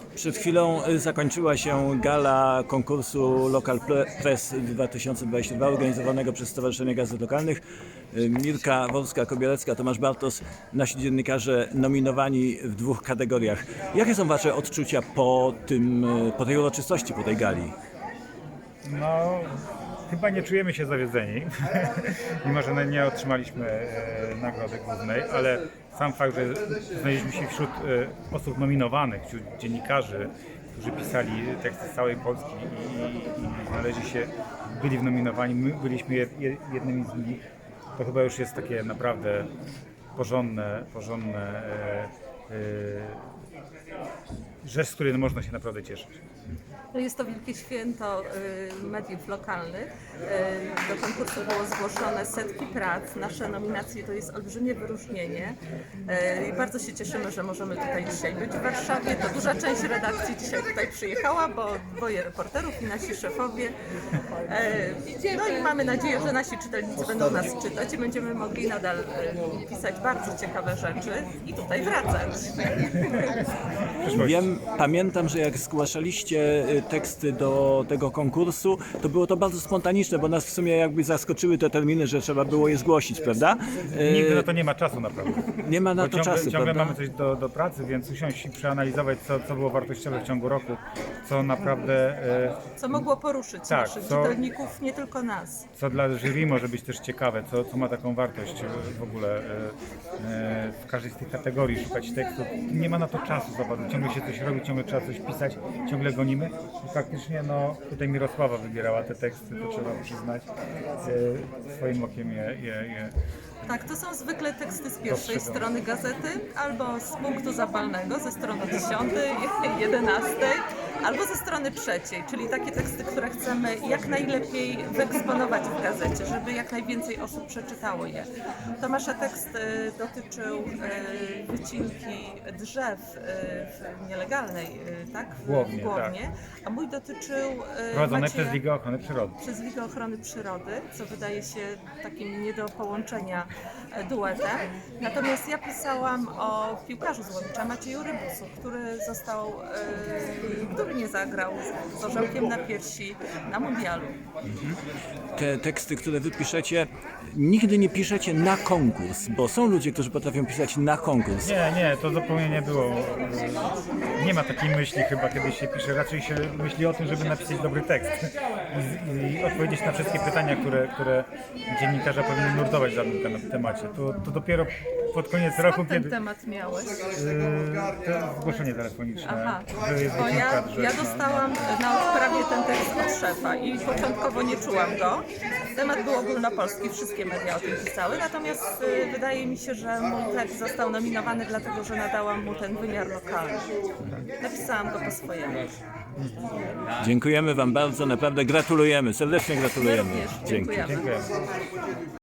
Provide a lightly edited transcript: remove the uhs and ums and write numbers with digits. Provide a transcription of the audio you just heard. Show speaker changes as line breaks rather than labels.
Przed chwilą zakończyła się gala konkursu Local Press 2022 organizowanego przez Stowarzyszenie Gazet Lokalnych. Mirka Wolska-Kobielecka, Tomasz Bartos, nasi dziennikarze nominowani w 2 kategoriach. Jakie są Wasze odczucia po tej uroczystości, po tej gali?
No, chyba nie czujemy się zawiedzeni, mimo że nie otrzymaliśmy nagrody głównej, ale sam fakt, że znaleźliśmy się wśród osób nominowanych, wśród dziennikarzy, którzy pisali teksty z całej Polski i znaleźli się, byli nominowani, my byliśmy jednymi z nich, to chyba już jest takie naprawdę porządne rzecz, z której można się naprawdę cieszyć.
Jest to wielkie święto mediów lokalnych. Do konkursu było zgłoszone setki prac. Nasze nominacje to jest olbrzymie wyróżnienie. I bardzo się cieszymy, że możemy tutaj dzisiaj być w Warszawie. To duża część redakcji dzisiaj tutaj przyjechała, bo 2 reporterów i nasi szefowie. No i mamy nadzieję, że nasi czytelnicy będą nas czytać i będziemy mogli nadal pisać bardzo ciekawe rzeczy i tutaj wracać.
Pamiętam, że jak zgłaszaliście teksty do tego konkursu, to było to bardzo spontaniczne, bo nas w sumie jakby zaskoczyły te terminy, że trzeba było je zgłosić, prawda?
Nigdy na to nie ma czasu naprawdę.
Nie ma na to czasu,
ciągle
prawda?
mamy coś do pracy, więc usiąść i przeanalizować, co było wartościowe w ciągu roku, co naprawdę...
Co mogło poruszyć
Tak,
naszych czytelników, nie tylko nas.
co dla jury może być też ciekawe, co ma taką wartość w ogóle w każdej z tych kategorii, szukać tekstów. Nie ma na to czasu za bardzo, ciągle się coś robi, ciągle trzeba coś pisać, ciągle gonimy. I faktycznie tutaj Mirosława wybierała te teksty, to trzeba przyznać. Swoim okiem je
Tak, to są zwykle teksty z pierwszej strony gazety, albo z punktu zapalnego, ze strony 10, 11, albo ze strony 3, czyli takie teksty, które chcemy jak najlepiej wyeksponować w gazecie, żeby jak najwięcej osób przeczytało je. Tomasza tekst dotyczył wycinki drzew w nielegalnej, tak? W Głownie, a mój dotyczył
prowadzone przez Ligę Ochrony Przyrody.
Przez Ligę Ochrony Przyrody, co wydaje się takim nie do połączenia duetem. Natomiast ja pisałam o piłkarzu z Łowicza, Macieju Rybusu, który nie zagrał z orzełkiem na piersi na mundialu.
Te teksty, które wy piszecie, nigdy nie piszecie na konkurs, bo są ludzie, którzy potrafią pisać na konkurs.
Nie, to zupełnie nie było. Nie ma takiej myśli chyba, kiedy się pisze. Raczej się myśli o tym, żeby napisać dobry tekst i odpowiedzieć na wszystkie pytania, które dziennikarza powinien nurtować w danym temacie. To dopiero pod koniec roku,
Skąd ten
kiedy...
temat miałeś?
To zgłoszenie telefoniczne.
Aha,
że jest
bo
wycinka drzew,
ja dostałam na odprawie ten tekst od szefa i początkowo nie czułam go. Temat był ogólnopolski, wszystkie media o tym pisały, natomiast wydaje mi się, że mój tekst został nominowany dlatego, że nadałam mu ten wymiar lokalny. Napisałam go po swojemu.
Dziękujemy Wam bardzo, naprawdę gratulujemy, serdecznie
My
gratulujemy.
również
Dzięki.
dziękujemy.
Dziękuję.